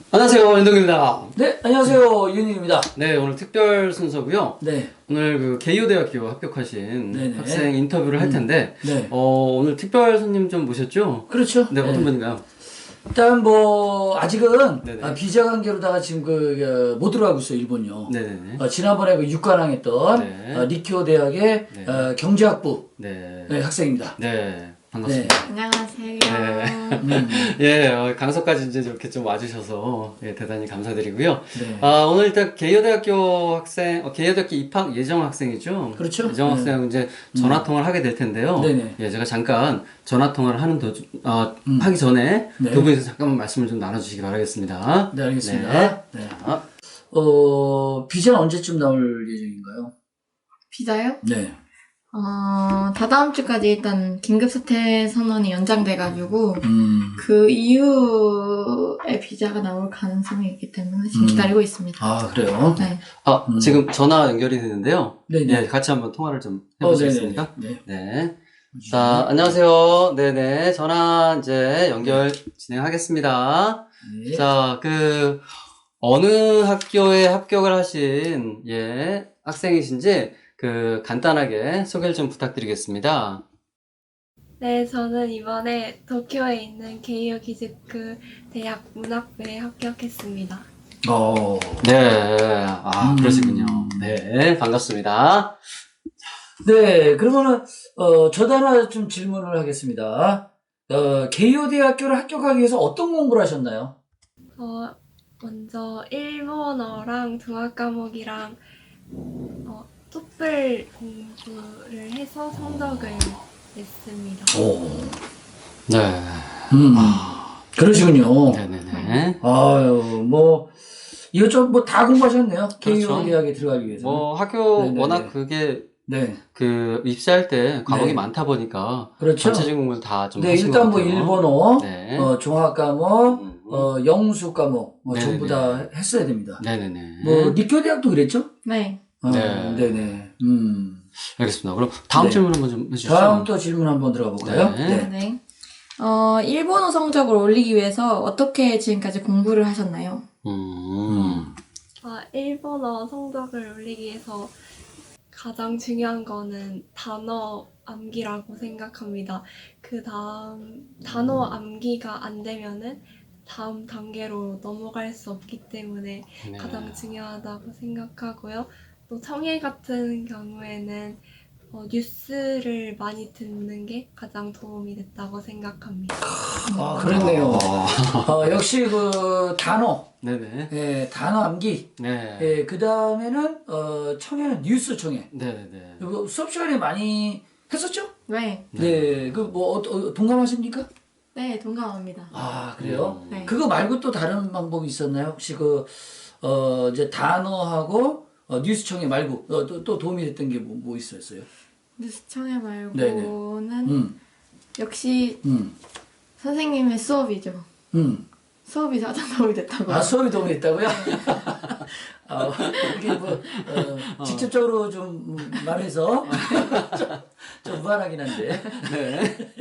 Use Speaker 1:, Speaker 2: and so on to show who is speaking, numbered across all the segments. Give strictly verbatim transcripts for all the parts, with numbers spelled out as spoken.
Speaker 1: 안녕하세요, 윤동입니다.
Speaker 2: 네, 안녕하세요, 윤희입니다.
Speaker 1: 네, 오늘 특별 순서고요.
Speaker 2: 네.
Speaker 1: 오늘 그 개요대학교 합격하신
Speaker 2: 네네.
Speaker 1: 학생 인터뷰를 할 텐데,
Speaker 2: 음, 네.
Speaker 1: 어, 오늘 특별 손님 좀 모셨죠?
Speaker 2: 그렇죠.
Speaker 1: 네, 어떤
Speaker 2: 네.
Speaker 1: 분인가요?
Speaker 2: 일단 뭐 아직은
Speaker 1: 네네.
Speaker 2: 아, 비자 관계로다가 지금 그 못 들어가고 있어요, 일본요.
Speaker 1: 네네네.
Speaker 2: 어, 지난번에 그 육관왕했던
Speaker 1: 네.
Speaker 2: 어, 리쿄 대학의
Speaker 1: 네.
Speaker 2: 어, 경제학부
Speaker 1: 네.
Speaker 2: 네, 학생입니다.
Speaker 1: 네, 반갑습니다.
Speaker 3: 안녕하세요.
Speaker 1: 네.
Speaker 2: 음,
Speaker 1: 예, 어, 강서까지 이제 이렇게 좀 와주셔서 예, 대단히 감사드리고요.
Speaker 2: 네.
Speaker 1: 아, 오늘 일단 개요대학교 학생, 어, 개요대학교 입학 예정 학생이죠.
Speaker 2: 그렇죠.
Speaker 1: 예정
Speaker 2: 네.
Speaker 1: 학생 이제 전화 통화를 하게 될 텐데요.
Speaker 2: 네네.
Speaker 1: 예, 제가 잠깐 전화 통화를 하는 도중, 어,
Speaker 2: 음.
Speaker 1: 하기 전에
Speaker 2: 네.
Speaker 1: 두 분이서 잠깐만 말씀을 좀 나눠주시기 바라겠습니다.
Speaker 2: 네, 알겠습니다.
Speaker 1: 네.
Speaker 2: 네.
Speaker 1: 아,
Speaker 2: 어, 비자는 언제쯤 나올 예정인가요?
Speaker 3: 비자요?
Speaker 2: 네.
Speaker 3: 어, 다다음 주까지 일단 긴급사태 선언이 연장돼가지고
Speaker 2: 음.
Speaker 3: 그 이후에 비자가 나올 가능성이 있기 때문에 지금
Speaker 2: 음.
Speaker 3: 기다리고 있습니다.
Speaker 2: 아, 그래요?
Speaker 3: 네.
Speaker 1: 아,
Speaker 2: 음.
Speaker 1: 지금 전화 연결이 되는데요.
Speaker 2: 네네.
Speaker 1: 예, 같이 한번 통화를 좀
Speaker 2: 어,
Speaker 1: 해보시겠습니까?
Speaker 2: 네네. 네.
Speaker 1: 네. 자, 안녕하세요. 네네. 전화 이제 연결 진행하겠습니다.
Speaker 2: 네.
Speaker 1: 자, 그, 어느 학교에 합격을 하신, 예, 학생이신지, 그, 간단하게 소개를 좀 부탁드리겠습니다.
Speaker 4: 네, 저는 이번에 도쿄에 있는 게이오 기즈쿠 대학 문학부에 합격했습니다.
Speaker 2: 어.
Speaker 1: 네. 아,
Speaker 2: 음.
Speaker 1: 그러시군요. 네, 반갑습니다.
Speaker 2: 네, 그러면은, 어, 저도 하나 좀 질문을 하겠습니다. 어, 게이오 대학교를 합격하기 위해서 어떤 공부를 하셨나요?
Speaker 4: 어, 먼저 일본어랑 동학 과목이랑 어, 토플 공부를 해서 성적을 냈습니다.
Speaker 2: 오.
Speaker 1: 네.
Speaker 2: 음. 그러시군요.
Speaker 1: 네네네.
Speaker 2: 아유, 뭐, 이것저것 뭐 다 공부하셨네요. 게이오
Speaker 1: 그렇죠.
Speaker 2: 대학에 들어가기 위해서.
Speaker 1: 뭐, 학교
Speaker 2: 네네네.
Speaker 1: 워낙 그게,
Speaker 2: 네.
Speaker 1: 그, 입시할 때 과목이
Speaker 2: 네.
Speaker 1: 많다 보니까,
Speaker 2: 그렇죠.
Speaker 1: 전체적인 공부를 다 좀
Speaker 2: 네,
Speaker 1: 하신 것
Speaker 2: 일단 뭐
Speaker 1: 같아요.
Speaker 2: 일본어,
Speaker 1: 네.
Speaker 2: 어, 종합 과목,
Speaker 1: 음.
Speaker 2: 어, 영수 과목, 뭐
Speaker 1: 네네네.
Speaker 2: 전부 다 했어야 됩니다.
Speaker 1: 네네네.
Speaker 2: 뭐, 리쿄 대학도 그랬죠?
Speaker 3: 네.
Speaker 2: 어,
Speaker 1: 네.
Speaker 2: 네네. 음.
Speaker 1: 알겠습니다. 그럼 다음
Speaker 2: 네.
Speaker 1: 질문 한번 좀 해주시죠.
Speaker 2: 다음 또 질문 한번 들어가 볼까요?
Speaker 1: 네.
Speaker 3: 네. 어, 일본어 성적을 올리기 위해서 어떻게 지금까지 공부를 하셨나요?
Speaker 1: 음.
Speaker 4: 아, 일본어 성적을 올리기 위해서 가장 중요한 거는 단어 암기라고 생각합니다. 그 다음 단어 암기가 안 되면은 다음 단계로 넘어갈 수 없기 때문에
Speaker 1: 네.
Speaker 4: 가장 중요하다고 생각하고요. 또 청해 같은 경우에는 어, 뉴스를 많이 듣는 게 가장 도움이 됐다고 생각합니다.
Speaker 2: 아, 그렇네요.
Speaker 1: 어.
Speaker 2: 어, 역시 그 단어,
Speaker 1: 네네.
Speaker 2: 예, 단어 암기.
Speaker 1: 네.
Speaker 2: 예, 그 다음에는, 어, 청해는 뉴스 청해.
Speaker 1: 네네네.
Speaker 2: 이거 수업 시간에 많이 했었죠?
Speaker 3: 네.
Speaker 2: 네, 그 뭐, 어, 어, 동감하십니까?
Speaker 3: 네, 동감합니다.
Speaker 2: 아, 그래요?
Speaker 1: 음.
Speaker 3: 네.
Speaker 2: 그거 말고 또 다른 방법이 있었나요? 혹시 그, 어, 이제 단어하고, 어, 뉴스 청해 말고, 어, 또, 또 도움이 됐던 게 뭐, 뭐 있었어요?
Speaker 3: 뉴스 청해 말고는
Speaker 2: 네네. 음,
Speaker 3: 역시
Speaker 2: 음,
Speaker 3: 선생님의 수업이죠.
Speaker 2: 음.
Speaker 3: 수업이 가장 도움이 됐다고.
Speaker 2: 아, 수업이 도움이 됐다고요? 아, 이렇게 뭐, 어, 직접적으로 좀 말해서 좀, 좀 무한하긴 한데.
Speaker 1: 네.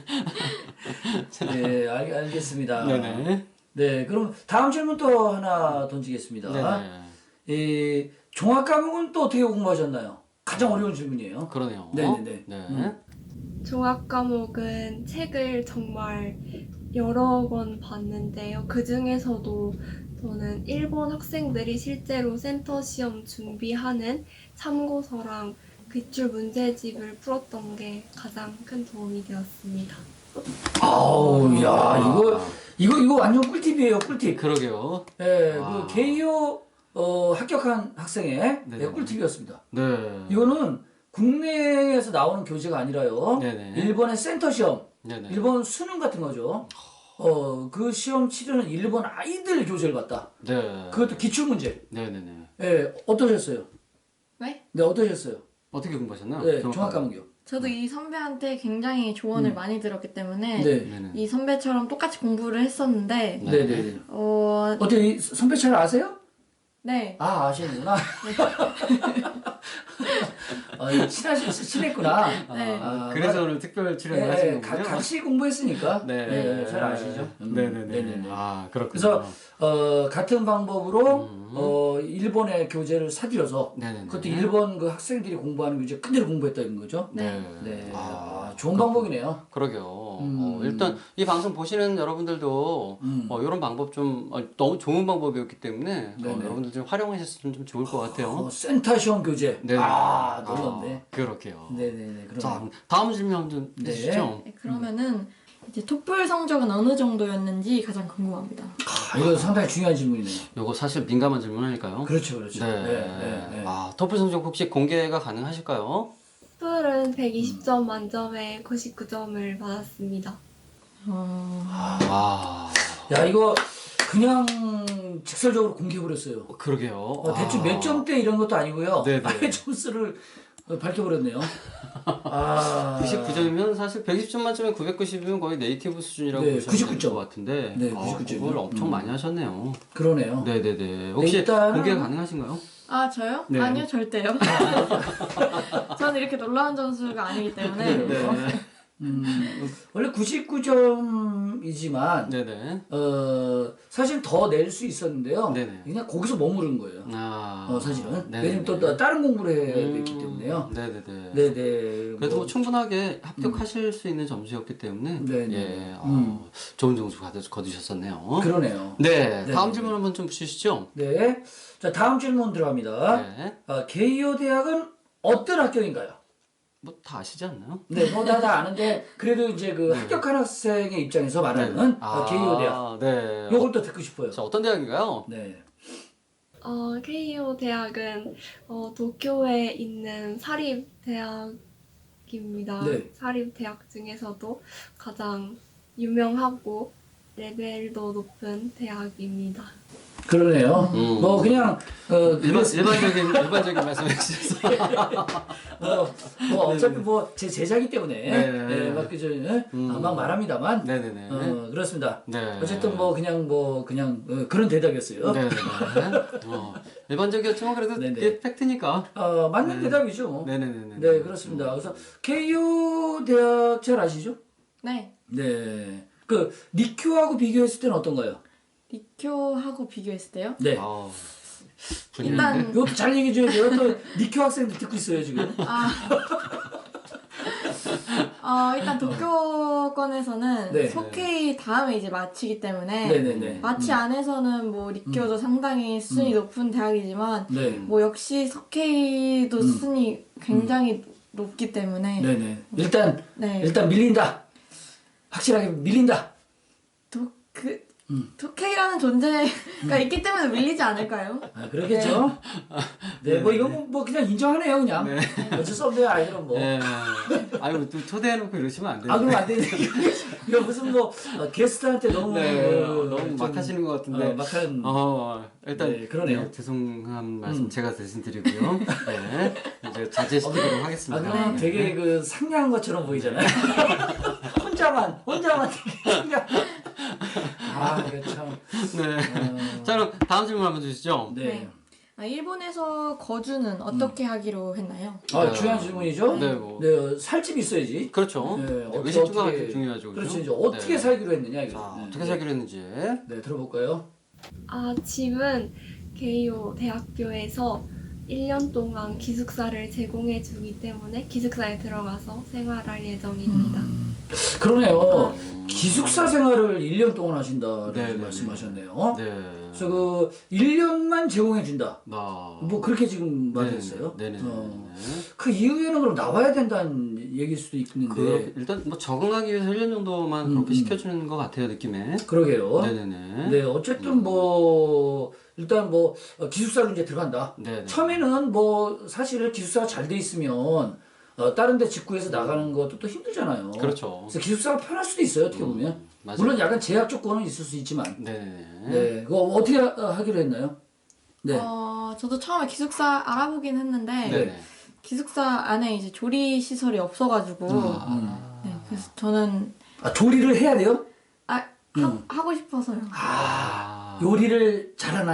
Speaker 2: 네, 알, 알겠습니다.
Speaker 1: 네네.
Speaker 2: 네, 그럼 다음 질문 또 하나 던지겠습니다.
Speaker 1: 네네.
Speaker 2: 이 종합 과목은 또 어떻게 공부하셨나요? 가장 어려운 질문이에요.
Speaker 1: 그러네요.
Speaker 2: 네네네.
Speaker 1: 네.
Speaker 2: 음.
Speaker 4: 종합 과목은 책을 정말 여러 권 봤는데요. 그 중에서도 저는 일본 학생들이 실제로 센터 시험 준비하는 참고서랑 기출 문제집을 풀었던 게 가장 큰 도움이 되었습니다.
Speaker 2: 아우, 야, 이거, 이거, 이거 완전 꿀팁이에요, 꿀팁.
Speaker 1: 그러게요.
Speaker 2: 예,
Speaker 1: 와.
Speaker 2: 그 개요 어, 합격한 학생의
Speaker 1: 네네.
Speaker 2: 네, 꿀팁이었습니다.
Speaker 1: 네.
Speaker 2: 이거는 국내에서 나오는 교재가 아니라요.
Speaker 1: 네네.
Speaker 2: 일본의 센터 시험,
Speaker 1: 네네.
Speaker 2: 일본 수능 같은 거죠. 어, 그 시험 치르는 일본 아이들 교재를 봤다.
Speaker 1: 네.
Speaker 2: 그것도 기출 문제.
Speaker 1: 네네네.
Speaker 2: 예, 어떠셨어요?
Speaker 3: 네?
Speaker 2: 네, 어떠셨어요?
Speaker 1: 어떻게 공부하셨나요?
Speaker 2: 네,
Speaker 1: 종합
Speaker 2: 종합 과목이요.
Speaker 3: 저도 이 선배한테 굉장히 조언을
Speaker 2: 음.
Speaker 3: 많이 들었기 때문에
Speaker 2: 네.
Speaker 1: 네네.
Speaker 3: 이 선배처럼 똑같이 공부를 했었는데
Speaker 1: 네.
Speaker 2: 네, 네, 네.
Speaker 3: 어,
Speaker 2: 어떻게 이 선배 잘 아세요?
Speaker 3: 네.
Speaker 2: 아, 아시는구나. 아, 이거 친하시, 친했구나.
Speaker 3: 네.
Speaker 2: 아,
Speaker 1: 그래서
Speaker 2: 막-
Speaker 1: 오늘 특별 출연을
Speaker 2: 네,
Speaker 1: 하신
Speaker 2: 가-
Speaker 1: 거군요.
Speaker 2: 같이 공부했으니까.
Speaker 1: 네.
Speaker 2: 네, 잘 아시죠? 음,
Speaker 1: 네네네.
Speaker 2: 네네네.
Speaker 1: 아, 그렇군요.
Speaker 2: 그래서 어, 같은 방법으로
Speaker 1: 음.
Speaker 2: 어, 일본의 교재를 사들여서
Speaker 1: 네네네.
Speaker 2: 그것도 일본 그 학생들이 공부하는 교재 그대로 공부했다는 거죠.
Speaker 1: 네.
Speaker 2: 네,
Speaker 1: 아,
Speaker 2: 아, 좋은 방법이네요.
Speaker 1: 그러게요.
Speaker 2: 음.
Speaker 1: 어, 일단 이 방송 보시는 여러분들도
Speaker 2: 음.
Speaker 1: 어, 이런 방법 좀 어, 너무 좋은 방법이었기 때문에 어,
Speaker 2: 네네.
Speaker 1: 여러분들 좀 활용하셨으면 좀 좋을 것 같아요.
Speaker 2: 어, 센터 시험 교재.
Speaker 1: 네네.
Speaker 2: 아, 놀랐네.
Speaker 1: 아, 그렇게요.
Speaker 2: 네네네. 그럼
Speaker 1: 자, 다음 질문 좀
Speaker 2: 네.
Speaker 1: 해주시죠.
Speaker 3: 네, 그러면은 이제 토플 성적은 어느 정도였는지 가장 궁금합니다.
Speaker 2: 아, 이거 상당히 중요한 질문이네요.
Speaker 1: 요거 사실 민감한 질문이니까요.
Speaker 2: 그렇죠, 그렇죠.
Speaker 1: 네.
Speaker 2: 네, 네, 네.
Speaker 1: 아, 토플 성적 혹시 공개가 가능하실까요?
Speaker 4: 토플은 백이십 점 만점에 구십구 점을 받았습니다.
Speaker 3: 어,
Speaker 1: 아,
Speaker 2: 야, 이거 그냥 직설적으로 공개해버렸어요.
Speaker 1: 그러게요.
Speaker 2: 어, 대충
Speaker 1: 아.
Speaker 2: 몇 점대 이런 것도 아니고요.
Speaker 1: 네네.
Speaker 2: 아예 점수를 어, 밝혀버렸네요. 아.
Speaker 1: 구십구 점이면 사실 백이십 점 만점에 구백구십이면 거의 네이티브 수준이라고
Speaker 2: 네,
Speaker 1: 보시면
Speaker 2: 구십구
Speaker 1: 될
Speaker 2: 점.
Speaker 1: 것 같은데
Speaker 2: 네,
Speaker 1: 아,
Speaker 2: 구십구 점이요.
Speaker 1: 그걸 엄청
Speaker 2: 음.
Speaker 1: 많이 하셨네요.
Speaker 2: 그러네요.
Speaker 1: 네네네. 혹시
Speaker 2: 일단은-
Speaker 1: 공개가 가능하신가요?
Speaker 3: 아 저요?
Speaker 1: 네.
Speaker 3: 아니요 절대요. 저는 이렇게 놀라운 점수가 아니기 때문에.
Speaker 1: 네.
Speaker 2: 음, 원래 구십구 점이지만,
Speaker 1: 네네.
Speaker 2: 어, 사실 더 낼 수 있었는데요.
Speaker 1: 네네.
Speaker 2: 그냥 거기서 머무른 거예요.
Speaker 1: 아,
Speaker 2: 어, 사실은.
Speaker 1: 네네네.
Speaker 2: 왜냐면 또, 또 다른 공부를 해야
Speaker 1: 음,
Speaker 2: 됐기 때문에요.
Speaker 1: 네네네.
Speaker 2: 네네.
Speaker 1: 그래도 뭐
Speaker 2: 뭐,
Speaker 1: 충분하게 합격하실 수 있는 점수였기 때문에
Speaker 2: 네네.
Speaker 1: 예, 어,
Speaker 2: 음.
Speaker 1: 좋은 점수 받으, 거두셨었네요.
Speaker 2: 그러네요.
Speaker 1: 네,
Speaker 2: 네.
Speaker 1: 다음 질문 한번 좀 주시죠.
Speaker 2: 네. 자, 다음 질문 들어갑니다.
Speaker 1: 네,
Speaker 2: 어, 게이오 대학은 어떤 학교인가요?
Speaker 1: 뭐 다 아시지 않나요?
Speaker 2: 네, 뭐 다 다 아는데 그래도 이제 그
Speaker 1: 네.
Speaker 2: 합격한 학생의 입장에서 말하는 어, 게이오 대학.
Speaker 1: 네.
Speaker 2: 요걸 또 듣고 싶어요.
Speaker 1: 자, 어떤 대학인가요?
Speaker 2: 네.
Speaker 4: 어, 케이오 대학은 어, 도쿄에 있는 사립 대학입니다.
Speaker 2: 네.
Speaker 4: 사립 대학 중에서도 가장 유명하고 레벨도 높은 대학입니다.
Speaker 2: 그러네요.
Speaker 1: 음.
Speaker 2: 뭐 그냥 어
Speaker 1: 일반,
Speaker 2: 그랬-
Speaker 1: 일반적인 일반적인 말씀해 주셔서
Speaker 2: 뭐, 뭐 어차피 뭐 제 제자기 때문에
Speaker 1: 네.
Speaker 2: 네, 막 그저 예?
Speaker 1: 음.
Speaker 2: 아, 막 말합니다만
Speaker 1: 네네네.
Speaker 2: 어, 그렇습니다.
Speaker 1: 네.
Speaker 2: 어쨌든 뭐 그냥 뭐 그냥 어, 그런 대답이었어요.
Speaker 1: 네네네. 어, 일반적이었지만 그래도
Speaker 2: 네네.
Speaker 1: 그게 팩트니까.
Speaker 2: 어, 맞는
Speaker 1: 네.
Speaker 2: 대답이죠. 뭐.
Speaker 1: 네네네.
Speaker 2: 네, 그렇습니다. 그래서 케이오 대학 잘 아시죠?
Speaker 3: 네.
Speaker 2: 네. 그 리큐하고 비교했을 때는 어떤가요?
Speaker 3: 리쿄하고 비교했을 때요.
Speaker 2: 네.
Speaker 1: 아,
Speaker 3: 일단
Speaker 2: 이것도 잘 얘기해 줘야 돼요. 또 리큐 학생들 듣고 있어요, 지금.
Speaker 3: 아, 어, 일단 도쿄권에서는
Speaker 2: 네.
Speaker 3: 소케이 다음에 이제 마치기 때문에
Speaker 2: 네네네.
Speaker 3: 마치 안에서는 뭐 리쿄도 상당히 수준이 높은 대학이지만
Speaker 2: 네.
Speaker 3: 뭐 역시 석케이도 수준이 굉장히 높기 때문에
Speaker 2: 네네. 일단
Speaker 3: 네.
Speaker 2: 일단 밀린다. 확실하게 밀린다.
Speaker 3: 도그
Speaker 2: 음.
Speaker 3: 도케이라는 존재가 있기 때문에 밀리지 않을까요?
Speaker 2: 아, 그러겠죠. 네, 뭐 이건 뭐, 뭐 그냥 인정하네요, 그냥.
Speaker 1: 네.
Speaker 2: 어쩔 수 없네요, 아이들은 뭐.
Speaker 1: 네. 아유, 또 초대해놓고 이러시면 안 돼요.
Speaker 2: 아, 그럼 안 되네. 이거 무슨 뭐 어, 게스트한테 너무
Speaker 1: 네,
Speaker 2: 어,
Speaker 1: 너무
Speaker 2: 좀,
Speaker 1: 막 하시는 것 같은데.
Speaker 2: 어, 막한
Speaker 1: 어, 일단
Speaker 2: 네, 그러네요.
Speaker 1: 네, 죄송한 말씀
Speaker 2: 음.
Speaker 1: 제가 대신 드리고요. 네, 이제 자제시키도록
Speaker 2: 아,
Speaker 1: 하겠습니다.
Speaker 2: 그러면
Speaker 1: 네.
Speaker 2: 되게 그 상냥한 것처럼 보이잖아요. 혼자만, 혼자만 되게 상냥. 아, 이거 참.
Speaker 1: 네.
Speaker 2: 어,
Speaker 1: 자, 그럼 다음 질문 한번 주시죠.
Speaker 2: 네.
Speaker 3: 네. 아, 일본에서 거주는 어떻게 하기로 했나요?
Speaker 2: 아,
Speaker 1: 네.
Speaker 2: 중요한 질문이죠.
Speaker 1: 네, 뭐.
Speaker 2: 네, 어, 살집이 있어야지.
Speaker 1: 그렇죠.
Speaker 2: 네,
Speaker 1: 네,
Speaker 2: 어떻게,
Speaker 1: 의식주가
Speaker 2: 어떻게-
Speaker 1: 아주 중요하죠. 그렇죠?
Speaker 2: 그렇죠. 이제 어떻게
Speaker 1: 네.
Speaker 2: 살기로 했느냐, 이거.
Speaker 1: 자,
Speaker 2: 네.
Speaker 1: 어떻게 살기로 했는지.
Speaker 2: 네, 들어볼까요?
Speaker 4: 아, 집은 게이오 대학교에서 일 년 동안 기숙사를 제공해 주기 때문에 기숙사에 들어가서 생활할 예정입니다.
Speaker 2: 그러네요. 기숙사 생활을 일 년 동안 하신다라고
Speaker 1: 네, 네,
Speaker 2: 말씀하셨네요.
Speaker 1: 네.
Speaker 2: 그래서 그 일 년만 제공해 준다.
Speaker 1: 나.
Speaker 2: 뭐 그렇게 지금 말했어요.
Speaker 1: 네네.
Speaker 2: 어.
Speaker 1: 네.
Speaker 2: 그 이후에는 그럼 나와야 된다는 얘기일 수도 있는데.
Speaker 1: 그 일단 뭐 적응하기 위해서 일 년 정도만
Speaker 2: 음,
Speaker 1: 그렇게
Speaker 2: 음.
Speaker 1: 시켜주는 것 같아요 느낌에.
Speaker 2: 그러게요.
Speaker 1: 네네네.
Speaker 2: 네, 어쨌든 뭐 일단 뭐 어, 기숙사로 이제 들어간다.
Speaker 1: 네네.
Speaker 2: 처음에는 뭐 사실 기숙사가 잘 돼 있으면 어, 다른 데 직구해서 나가는 것도 또 힘들잖아요.
Speaker 1: 그렇죠.
Speaker 2: 그래서 기숙사가 편할 수도 있어요. 어떻게 보면.
Speaker 1: 맞아요.
Speaker 2: 물론 약간 제약 조건은 있을 수 있지만.
Speaker 1: 네네.
Speaker 2: 네, 그거 어떻게 하, 하기로 했나요? 네.
Speaker 3: 어, 저도 처음에 기숙사 알아보긴 했는데
Speaker 1: 네네.
Speaker 3: 기숙사 안에 이제 조리 시설이 없어가지고
Speaker 1: 아.
Speaker 3: 네, 그래서 저는
Speaker 2: 아, 조리를 해야 돼요?
Speaker 3: 아 하, 하고 싶어서요.
Speaker 1: 아.
Speaker 2: 요리를 잘하나요?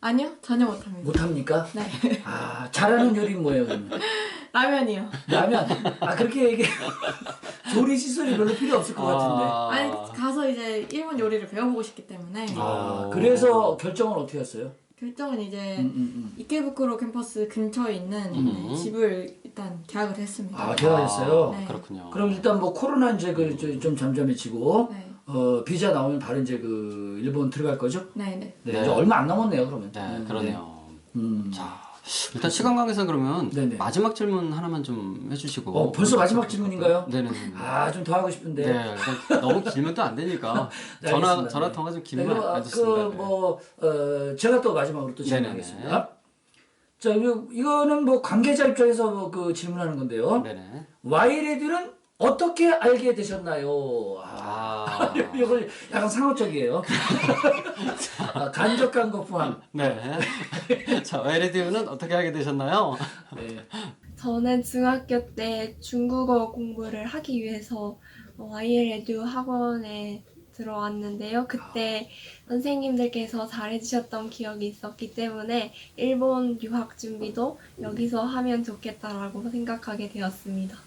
Speaker 3: 아니요, 전혀 못합니다.
Speaker 2: 못합니까?
Speaker 3: 네.
Speaker 2: 아, 잘하는 요리 뭐예요, 그러면?
Speaker 3: 라면이요.
Speaker 2: 라면. 아, 그렇게 얘기 조리 시설이 별로 필요 없을 것 같은데.
Speaker 3: 아니, 가서 이제 일본 요리를 배워보고 싶기 때문에
Speaker 2: 아, 그래서 결정은 어떻게 했어요?
Speaker 3: 결정은 이제
Speaker 2: 음, 음, 음.
Speaker 3: 이케부쿠로 캠퍼스 근처에 있는
Speaker 1: 음.
Speaker 3: 네, 집을 일단 계약을 했습니다.
Speaker 2: 아, 계약했어요?
Speaker 3: 네.
Speaker 1: 그렇군요.
Speaker 2: 그럼 일단 뭐 코로나 이제 그 좀 잠잠해지고
Speaker 3: 네.
Speaker 2: 어 비자 나오면 바로 이제 그 일본 들어갈 거죠?
Speaker 3: 네, 네.
Speaker 2: 네,
Speaker 1: 네.
Speaker 2: 이제 얼마 안 남았네요 그러면.
Speaker 1: 네,
Speaker 2: 음,
Speaker 1: 그러네요.
Speaker 2: 네. 음.
Speaker 1: 자, 일단 시간 관계상 그러면
Speaker 2: 네네.
Speaker 1: 마지막 질문 하나만 좀 해주시고.
Speaker 2: 어 벌써 마지막 질문인가요?
Speaker 1: 네네네.
Speaker 2: 아 좀 더 하고 싶은데.
Speaker 1: 네, 일단 너무 길면 또 안 되니까
Speaker 2: 네,
Speaker 1: 전화
Speaker 2: 알겠습니다.
Speaker 1: 전화
Speaker 2: 네.
Speaker 1: 통화 좀
Speaker 2: 네,
Speaker 1: 길면
Speaker 2: 그럼
Speaker 1: 안 좋습니다. 네.
Speaker 2: 그뭐 어, 제가 또 마지막으로 또
Speaker 1: 네네네.
Speaker 2: 질문하겠습니다. 자 이거 이거는 뭐 관계자 입장에서 뭐 그 질문하는 건데요.
Speaker 1: 네네.
Speaker 2: 와이레드는 어떻게 알게 되셨나요? 아,
Speaker 1: 아,
Speaker 2: 이걸 약간 상호적이에요. 아, 간접한 것 포함.
Speaker 1: 네. 자, 와이레디오는 어떻게 하게 되셨나요?
Speaker 2: 네.
Speaker 4: 저는 중학교 때 중국어 공부를 하기 위해서 와이엘에듀 학원에 들어왔는데요. 그때 선생님들께서 잘해주셨던 기억이 있었기 때문에 일본 유학 준비도 여기서 하면 좋겠다라고 생각하게 되었습니다.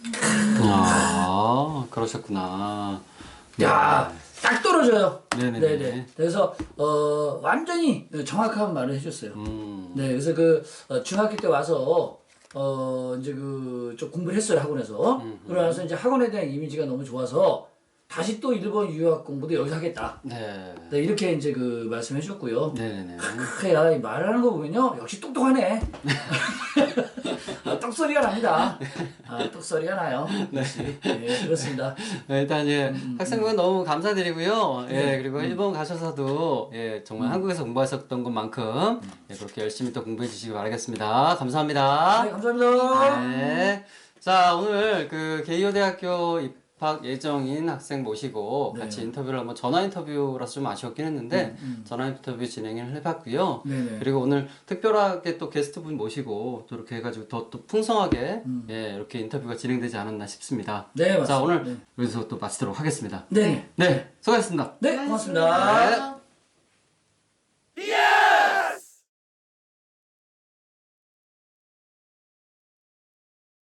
Speaker 1: 아, 그러셨구나.
Speaker 2: 야, 딱 떨어져요.
Speaker 1: 네네네.
Speaker 2: 네네. 그래서 어 완전히 정확한 말을 해줬어요.
Speaker 1: 음.
Speaker 2: 네, 그래서 그 어, 중학교 때 와서 어 이제 그 좀 공부를 했어요 학원에서.
Speaker 1: 음, 음.
Speaker 2: 그러면서 이제 학원에 대한 이미지가 너무 좋아서 다시 또 일본 유학 공부도 여기서 하겠다.
Speaker 1: 네.
Speaker 2: 네, 이렇게 이제 그 말씀해주셨고요.
Speaker 1: 네네네.
Speaker 2: 그래야 말하는 거 보면요 역시 똑똑하네. 아, 똑소리가 납니다. 아, 똑소리가 나요. 역시. 네, 그렇습니다.
Speaker 1: 네, 일단 예,
Speaker 2: 음,
Speaker 1: 학생분 너무 감사드리고요. 예,
Speaker 2: 네.
Speaker 1: 그리고
Speaker 2: 음.
Speaker 1: 일본 가셔서도 예, 정말 한국에서 공부하셨던 것만큼
Speaker 2: 음.
Speaker 1: 예, 그렇게 열심히 또 공부해 주시기 바라겠습니다. 감사합니다.
Speaker 2: 네, 감사합니다.
Speaker 1: 네. 자, 오늘 그 게이오 대학교 입학 예정인 학생 모시고
Speaker 2: 네.
Speaker 1: 같이 인터뷰를 한번 전화 인터뷰라서 좀 아쉬웠긴 했는데
Speaker 2: 음,
Speaker 1: 전화 인터뷰 진행을 해봤고요.
Speaker 2: 네네.
Speaker 1: 그리고 오늘 특별하게 또 게스트분 모시고 또 이렇게 해가지고 더 또 풍성하게
Speaker 2: 음.
Speaker 1: 예, 이렇게 인터뷰가 진행되지 않았나 싶습니다.
Speaker 2: 네, 맞습니다.
Speaker 1: 자, 오늘
Speaker 2: 네.
Speaker 1: 여기서 또 마치도록 하겠습니다.
Speaker 2: 네.
Speaker 1: 네, 수고하셨습니다.
Speaker 2: 네, 고맙습니다.
Speaker 1: 네.